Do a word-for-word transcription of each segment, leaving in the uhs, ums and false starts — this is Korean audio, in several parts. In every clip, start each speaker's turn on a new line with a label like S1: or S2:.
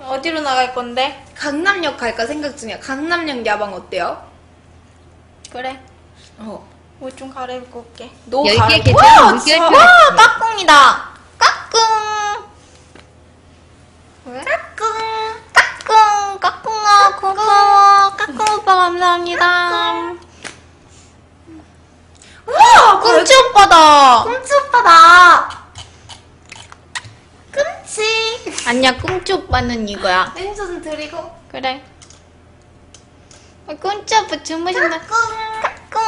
S1: 어디로 나갈 건데?
S2: 강남역 갈까 생각 중이야. 강남역 야방 어때요?
S1: 그래.
S2: 어.
S1: 옷 좀 갈아입고 올게.
S2: 너
S3: 열 개
S2: 갈아입고.
S3: 계좌
S2: 와,
S3: 물결표
S2: 진짜.
S3: 하트.
S2: 와, 까꿍이다. 까꿍.
S1: 왜?
S2: 까꿍. 까꿍. 까꿍아, 고마워. 까꿍 오빠 감사합니다. 우와, 꿈치 오빠다. 꿈치 오빠다. 꿈치.
S1: 아니야, 꿈치 오빠는 이거야.
S2: 렌즈 좀 드리고.
S1: 그래. 아, 꿈치 오빠 주무신다.
S2: 까꿍.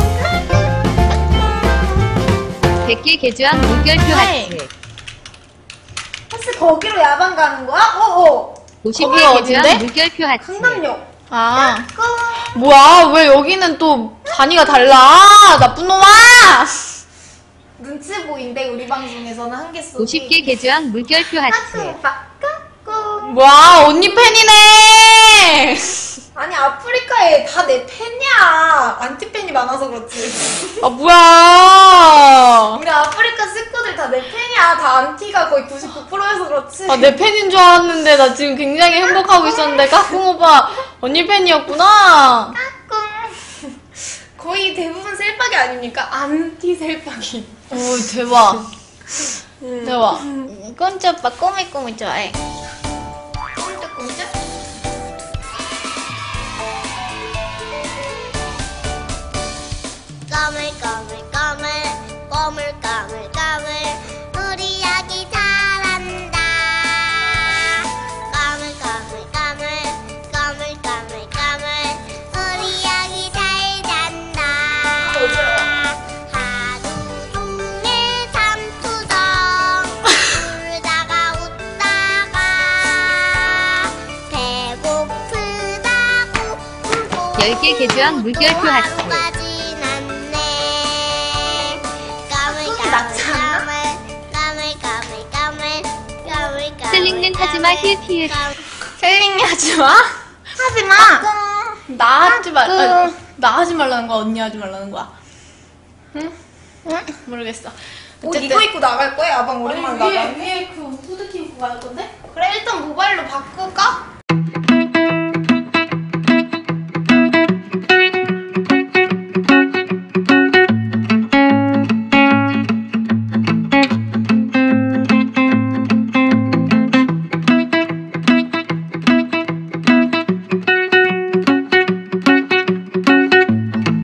S3: 백 개 개주한 물결표
S1: 네.
S3: 하트.
S2: 혹시 거기로 야방 가는 거야? 어어.
S3: 오십
S1: 거기
S3: 개
S1: 어딘데?
S3: 개주한 물결표 하트.
S2: 강남역.
S1: 아.
S2: 까꿍.
S1: 뭐야, 왜 여기는 또 단위가 달라? 나쁜 놈아!
S2: 눈치 보인대 우리 방송에서는 한 개 쏘기.
S3: 오십 개 개주한 물결표
S2: 까꿍
S3: 하트.
S2: 오빠 까꿍.
S1: 뭐야, 언니 팬이네!
S2: 아니 아프리카에 다 내 팬이야. 안티 팬이 많아서 그렇지.
S1: 아, 뭐야!
S2: 우리 아프리카 식구들 다 내 팬이야. 다 안티가 거의 구십구 퍼센트여서 그렇지.
S1: 아, 내 팬인 줄 알았는데, 나 지금 굉장히 행복하고 있었는데, 까꿍 오빠, 언니 팬이었구나?
S2: 까꿍. 거의 대부분 셀빡이 아닙니까? 안티 셀빡이.
S1: 오, 대박.
S2: 음.
S1: 대박. 꿈치 오빠 꼬미꼬미 좋아해.
S2: 꼼짝꼼짝.
S4: 까물까물까물 꼬물까물까물 우리 아기 잘한다. 까물까물까물 까물까물까물 우리 아기 잘 잔다. 하루 종일 삼투정 울다가 웃다가 배고프다고 울고
S3: 열 개 개주한 물결표 하트.
S4: 하루가 지났네. 까물
S2: 낫지 않나?
S4: 까물 까물 까물 까물 까물
S3: 셀링는 하지마 힐키을.
S1: 셀링이 하지 마?
S2: 하지 마.
S1: 나 하지 말,
S2: 까꿍.
S1: 아니, 나 하지 말라는 거야? 언니 하지 말라는 거야? 응? 응? 모르겠어.
S2: 옷 이거 입고 나갈 거야? 야방 오랜만에 나가.
S1: 위에 그 후드티 입고 갈 건데?
S2: 그래 일단 모바일로 바꿀까?